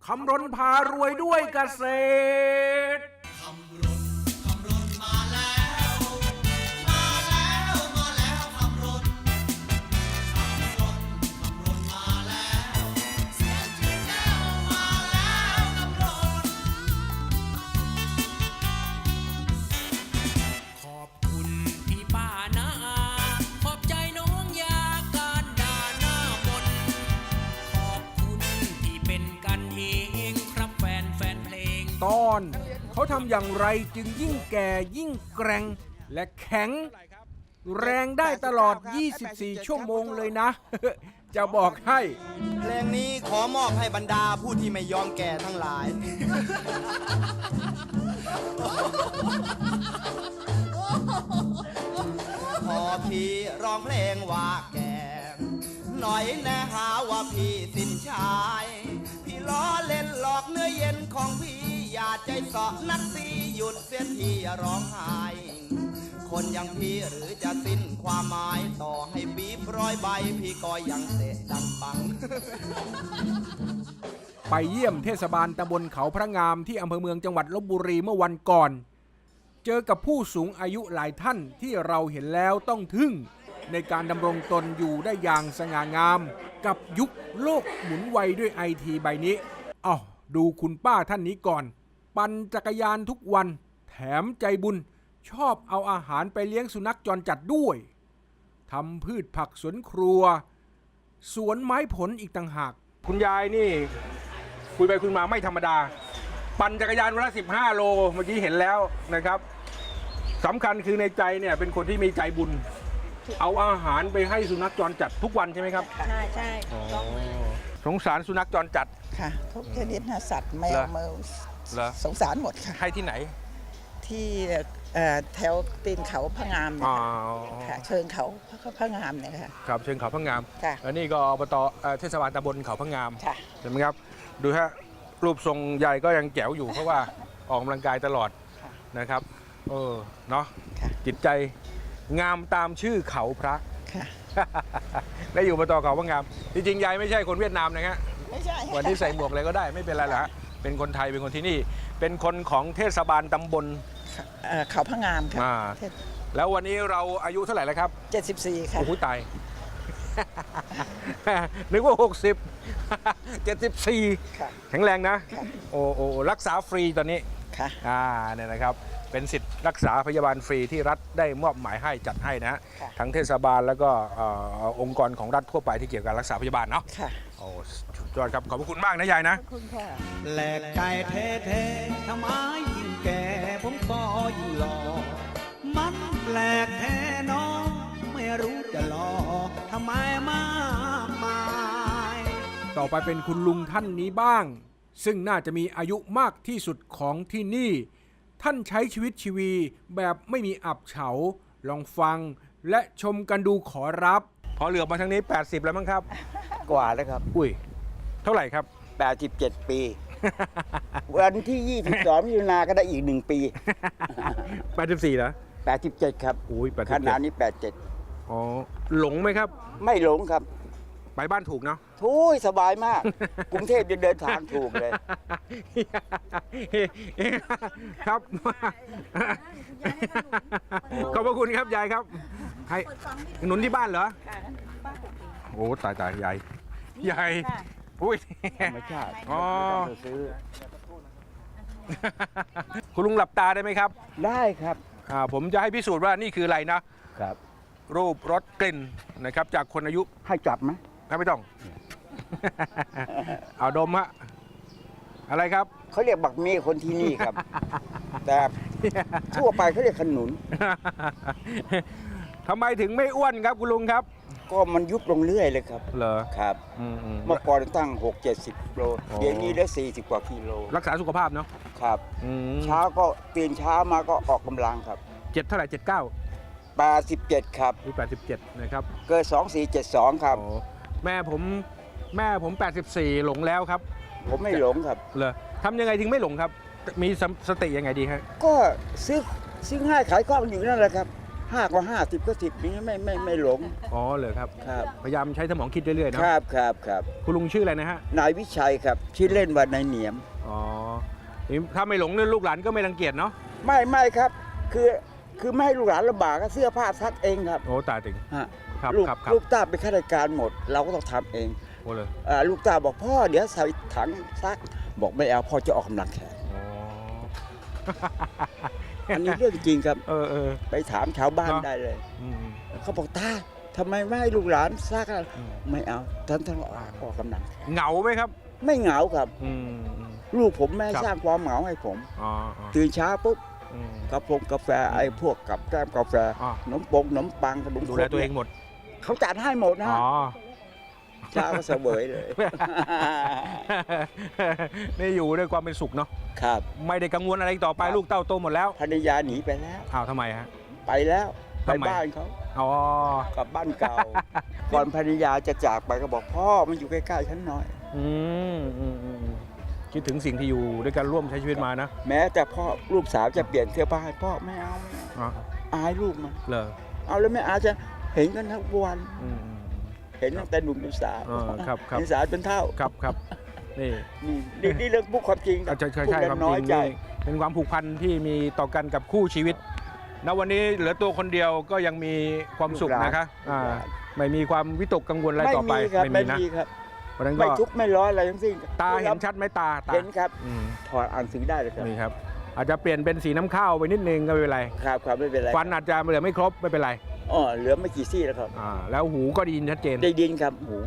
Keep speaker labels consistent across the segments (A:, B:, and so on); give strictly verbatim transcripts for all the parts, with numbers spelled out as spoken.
A: ำรณพารวยด้วยเกษตรตอนเขาทำอย่างไรจึงยิ่งแก่ยิ่งแกร่งและแข็งแรงได้ตลอดยี่สิบสี่ชั่วโมงเลยนะ จะบอกให้
B: เพลงนี้ขอมอบให้บรรดาผู้ที่ไม่ยอมแก่ทั้งหลาย พอพี่ร้องเพลงว่าแก่หน่อยแน่หาว่าพี่สิ้นชายพี่ล้อเล่นหลอกเนื้อเย็นของพี่อย่าใจเสาะนักสีหยุดเสียทีอย่าร้องไห้คนอย่างพี่หรือจะสิ้นความหมายต่อให้บีบร้อยใบพี่ก็ยังเตะดังปัง
A: ไปเยี่ยมเทศบาลตำบลเขาพระงามที่อำเภอเมืองจังหวัดลพบุรีเมื่อวันก่อนเจอกับผู้สูงอายุหลายท่านที่เราเห็นแล้วต้องทึ่งในการดำรงตนอยู่ได้อย่างสง่างามกับยุคโลกหมุนไวด้วยไอทีใบนี้อ้าวดูคุณป้าท่านนี้ก่อนปั่นจักรยานทุกวันแถมใจบุญชอบเอาอาหารไปเลี้ยงสุนัขจรจัดด้วยทำพืชผักสวนครัวสวนไม้ผลอีกต่างหากคุณยายนี่คุยไปคุยมาไม่ธรรมดาปั่นจักรยานวันละสิบห้าโลเมื่อกี้เห็นแล้วนะครับสำคัญคือในใจเนี่ยเป็นคนที่มีใจบุญเอาอาหารไปให้สุนัขจรจัดทุกวันใช่ไหมครับ
C: ใช่ใช่
A: สงสารสุนัขจรจัด
C: ค่ะทุกชนิดนะสัตว์แมวเมลสงสารหมดค่ะ
A: ให้ที่ไหน
C: ที่แถวตีนเขาพะงามค่ะเชิงเขาพะงามเนี่ยค่ะ
A: ครับเชิงเขาพะงามแล้วนี่ก็อบตเทศบาลตำบลเขาพะงามเห็นไหมครับดูฮะรูปทรงใหญ่ก็ยังแจ๋วอยู่เพราะว่าออกกำลังกายตลอดนะครับเออเนาะจิตใจงามตามชื่อเขาพระและอยู่อบตเขาพะงามจริงๆยายไม่ใช่คนเวียดนามนะฮะ
C: ไม่ใช่
A: วันที่ใส่หมวกอะไรก็ได้ไม่เป็นไรหรอกฮะเป็นคนไทยเป็นคนที่นี่เป็นคนของเทศบาลตำบล
C: เขาพะงามค่ะ
A: แล้ววันนี้เราอายุเท่าไหร่แล้วครับ
C: เจ็ดสิบสี่ค่ะ
A: โอ้โหตายนึกว่าหกสิบ เจ็ดสิบสี่แข็งแรงนะโอ้โอ้รักษาฟรีตอนนี้
C: ค่ะ
A: อ่าเนี่ยนะครับเป็นสิทธิ์รักษาพยาบาลฟรีที่รัฐได้มอบหมายให้จัดให้นะทั้งเทศบาลแล้วก็องค์กรของรัฐทั่วไปที่เกี่ยวกับรักษาพยาบาลเนาะ
C: ค่ะ
A: โอ้สุดยอดครับขอบคุณมากนะยายนะ
C: ขอบคุณค่ะ
B: แหลกใจเท่ๆทำไมยิ่งแก่ผมก็ยิ่งหล่อมันแปลกแท้น้องไม่รู้จะหล่อทำไมมากมาย
A: ต่อไปเป็นคุณลุงท่านนี้บ้างซึ่งน่าจะมีอายุมากที่สุดของที่นี่ท่านใช้ชีวิตชีวีแบบไม่มีอับเฉาลองฟังและชมกันดูขอรับพอเหลือมาทางนี้แปดสิบแล้วมั้งครับ
D: กว่าแล้วครับ
A: อุ้ยเท่าไหร่ครับ
D: แปดสิบเจ็ดปี วันที่ยี่สิบสองมิถุนายนก็ได้อีกหนึ่งปี
A: แปดสิบสี่เหรอ
D: แปดสิบเจ็ดครับ
A: อุ้ย
D: ขนาดนี้แปดสิบเจ็ด
A: อ๋อหลงไหมครับ
D: ไม่หลงครับ
A: ไปบ้านถูกเนาะ
D: ทุยสบายมากกรุงเทพยังเดินทางถูกเลย
A: ครับขอบพระคุณครับยายครับให้หนุนที่บ้านเหรอโอ้ตายตายยายยายอุ้ย
D: ไม่ใช่
A: อ๋อคุณลุงหลับตาได้ไหมครับ
D: ได้ครับ
A: อ่าผมจะให้พิสูจน์ว่านี่คืออะไรนะครับรูปรสกลิ่นนะครับจากคนอายุ
D: ให้จับไหม
A: ไม่ต้อง เอาดมฮะอะไรครับ
D: เขาเรียกบักมีคนที่นี่ครับ แต่ทั่วไปเขาเรียกขนุน
A: ทำไมถึงไม่อ้วนครับคุณลุงครับ
D: ก็มันยุบลงเรื่อยเลยครับ
A: เหรอ
D: ครับเมื่อก่อนตั้งหกเจ็ดสิบโลเดี๋ยวนี้ได้สี่สิบกว่ากิโล
A: รักษาสุขภาพเนาะ
D: ครับเช้าก็ตื่นเช้ามาก็ออกกำลังครับ
A: เจ็ดเท่าไหร่เจ็ดเก้า
D: แปดสิบเจ็ดครับ
A: หรือแปดสิบเจ็ดนะครับ
D: เกิดสองสี่เจ็ดสองครับ
A: แม่ผมแม่ผมแปดสิบสี่หลงแล้วครับ
D: ผมไม่หลงครับ
A: เหรอทำยังไงถึงไม่หลงครับมีสติยังไงดีครับ
D: ก็ซื้อซื้อง่ายขายคล่องอยู่นั่นแหละครับห้าก็ห้าสิบก็สิบนี้ไม่ไม่ไม่หลง
A: อ๋อเหรอครับ
D: ครับ
A: พยายามใช้สมองคิดเรื่อยๆเนอะ
D: ครับครับครับ
A: คุณลุงชื่ออะไรนะฮะ
D: นายวิชัยครับชื่อเล่นว่านายเหนียม
A: อ๋อนี่ถ้าไม่หลงเนี่ยลูกหลานก็ไม่รังเกียจเนาะ
D: ไม่ไม่ครับ คือคือไม่ให้ลูกหลานลำบากก็เสื้อผ้าซักเองครับ
A: โอ้ตายถึง
D: ฮะ
A: ครับ
D: ลูก
A: ครับครับ
D: ลูกตาเป็นข้าราชการหมด เราก็ต้องทำเอง
A: โอ้เลย
D: อ่าลูกตาบอกพ่อเดี๋ยวใส่ถังซัก บอกไม่เอาพ่อจะออกกำลังแขน
A: อ๋อ
D: อันนี้เรื่องจริงครับ
A: เออเออ
D: ไปถามชาวบ้าน
A: เนอะ
D: ได้เลย
A: อืม
D: เขาบอกตาทำไมไม่ให้ลูกหลานซักอะ
A: อืม
D: ไม่เอาท่านต้องออกกำลังแขน
A: เหงาไหมครับ
D: ไม่เหงาครับ
A: อืมอืม
D: ลูกผมแม่
A: ครับ
D: สร้างความเหงาให้ผม
A: อ๋ออ๋อ
D: ตื่นเช้าปุ๊บ
A: อืม
D: กาแฟกาแฟไอ้พวกกับแก้มกาแฟ
A: อ๋อ
D: ขนมปงขนมปังขนม
A: ดูแลตัวเองหมด
D: เขาจัดให้หมดนะ
A: อ๋อ
D: เช้าก็เสวยเลย
A: นี่อยู่ด้วยความเป็นสุขเนาะ
D: ครับ
A: ไม่ได้กังวลอะไรต่อไปลูกเต้าโตหมดแล้ว
D: ภรรยาหนีไปแล้ว
A: อ้าวทำไมฮะ
D: ไปแล้วไป
A: ทำไม
D: บ้านเขา
A: อ๋อก
D: ลับบ้านเก่า ก่อนภรรยาจะจากไปก็บอกพ่อมันอยู่ใกล้ๆฉันหน่อย
A: อืมอืมอืมคิดถึงสิ่งที่อยู่ด้วยกันร่วมใช้ชีวิตมานะ
D: แม้แต่พ่อลูกสาวจะเปลี่ยนเสื้อผ้าให้พ่อไม่เอาไม่เอา
A: อ๋อ
D: อายลูกมัน
A: เหรอ
D: เอาแล้วไม่อาจะเห็นกันทั้งวัน
A: อืมอืม
D: เห็นตั้งแต่หนุ่มเป็นสาว
A: เออครับครับ
D: เป็นสาวเป็นเท่า
A: ครับครับนี่
D: นี่นี่นี่เรื่องพูดความจริง
A: อ่ะใช่ใช่
D: พูด
A: ใช่
D: แล้ว
A: ความ
D: น้
A: จ
D: อย
A: ริง
D: ใจ
A: นี่เป็นความผูกพันที่มีต่อกันกับคู่ชีวิตณวันนี้เหลือตัวคนเดียวก็ยังมีความสุขนะคะอ่าไม่มีความวิตกกังวลอะไร
D: ไม่
A: ต่อไป
D: มีครับไม่
A: นะ
D: มีครับ
A: เพราะฉะนั้น
D: ไม่
A: ก็
D: ทุกข์ไม่ร้อนอะไรทั้งสิ้น
A: ตาเห็นชัดไหมตาตา
D: เห็นครับ
A: อืม
D: ถอดอ่านสื่อได้เลยครับ
A: นี่ครับ อาจจะเปลี่ยนเป็นสีน้ำข้าวไปนิดนึงก็ไม่เป็นไร
D: ครับครับไม่เป็นไร
A: ฟันอาจจะเหลือไม่ครบไม่เป็นไร
D: อ๋อเหลือไม่กี่ซี่แล้วครับ
A: อ่าแล้วหูก็ไดีนชัดเจน
D: ได้ดินครับหู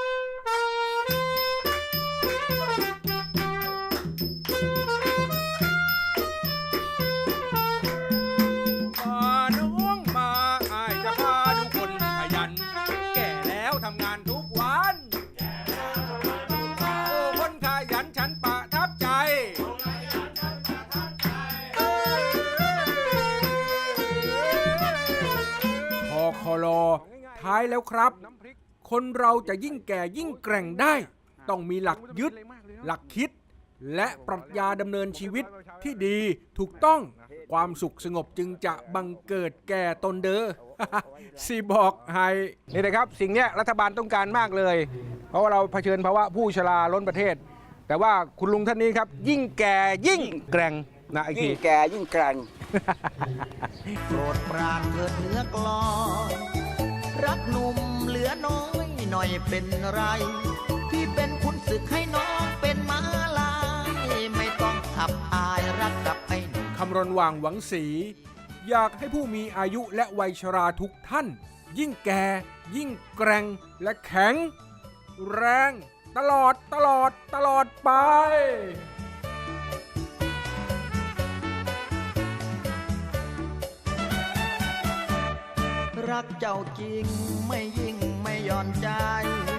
A: มาน้องมาอายจะพาทุกคนขยัน แก่แล้วทำงานทุกวันโอ้คนขยันฉันประทับใจพอคอลอท้ายแล้วครับ คนเราจะยิ่งแก่ยิ่งแกร่งได้ ต้องมีหลักยึด หลักคิด และปรัชญาดำเนินชีวิตที่ดีถูกต้องความสุขสงบจึงจะบังเกิดแก่ตนเด้อ สิบอกให้นี่นะครับ สิ่งเนี้ยรัฐบาลต้องการมากเลย เพราะว่าเราเผชิญภาวะผู้ชราล้นประเทศ แต่ว่าคุณลุงท่านนี้ครับ ยิ่งแก่ยิ่งแกร่งนะไอ้
D: ยิ่
A: ที
D: งแก่ยิ่งแกร่ง
B: โปรดปรานเถิดเนื้อกลอนรักหนุ่มเหลือน้อยหน่อยเป็นไร พี่เป็นคุณศึกให้น้องเป็นม้าลายไม่ต้องขับอายรักกับไอ้หนุ่ม
A: คำรณว่างหวังศรีอยากให้ผู้มีอายุและวัยชราทุกท่าน ยิ่งแก่ ยิ่งแกร่งและแข็ง แรง ตลอดตลอดตลอดไป
B: รักเจ้าจริงไม่ยิ่งไม่หย่อนใจ